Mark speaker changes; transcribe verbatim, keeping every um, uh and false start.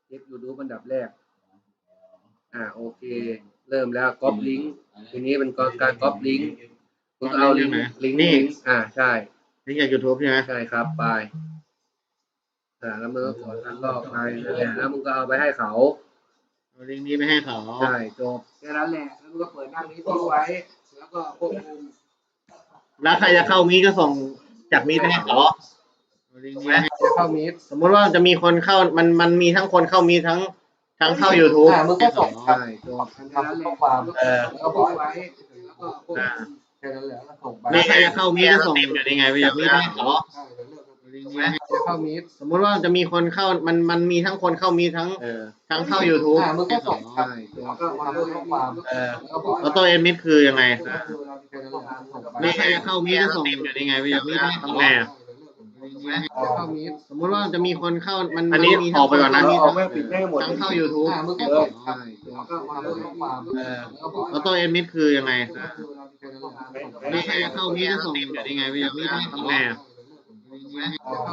Speaker 1: เช็ค YouTube อันดับแรกอ่าโอเคเริ่มแล้วก๊อปลิงก์ทีนี้เป็นการก๊อปลิงก์คุณเอาลิงก์ลิงก์นี่อ่าใช่
Speaker 2: ลิงก์จาก YouTube ใช่ไหม
Speaker 1: ใช่ครับไปอ่าแล้วมึงก็กดอันลอกไปนั่นแหละแล้วมึงก็เอาไปให้เขา
Speaker 2: เอาลิงก์นี้ไปให้เขา
Speaker 1: ใช่จบแค่นั้นแหละแล้วมึงก็เปิดหน้านี้ทิ้งไว้แล้วก็ควบคุม
Speaker 2: แล้วใครจะเข้ามีก็ส่งจากมีไปให้เขาลิงก์นี้
Speaker 1: จะเข้ามี
Speaker 2: สมมติว่าจะมีคนเข้ามันมันมีทั้งคนเข้ามีทั้งทั้งเข้า YouTube
Speaker 1: อ่ามึงก็ส่งใช่จบแค่นั้นแหละเออแล้วก็ไว้แล้วก็ควบคุมแค่นั้นแหละแล้วส่งไป
Speaker 2: แล้วใครจะเข้ามีก็ส่งยังไงไปจากมีไปให้เขา
Speaker 1: จะเข้ามี
Speaker 2: สมมติว่าจะมีคนเข้ามันมันมีทั้งคนเข้ามีทั้งทั้งเข้า YouTube
Speaker 1: อ่ามึงก็ส่งใช่แล้วก็มาด้วยข้อความ
Speaker 2: เออแล้วตัวเอ็นมิดคือยังไงแล้วใครจะเข้ามีก็ส่งยังไงไปจากมีไปทำไงอ่ะสมมติว่าจะมีคนเข้ามัน
Speaker 1: อันนี้
Speaker 2: มี
Speaker 1: ออกไปก่อนนะ
Speaker 2: มี
Speaker 1: เอาไม่ปิดให้หมด
Speaker 2: ทั้งเข้า YouTube
Speaker 1: อ่ามึงก็ส่งใช่แล้วก็มาด้วยข้อความ
Speaker 2: เออแล้วตัวเอ็นมิดคือยังไงแล้วใครจะเข้ามีก็ส่งยังไงไปจากมีไปทำไงอ่ะ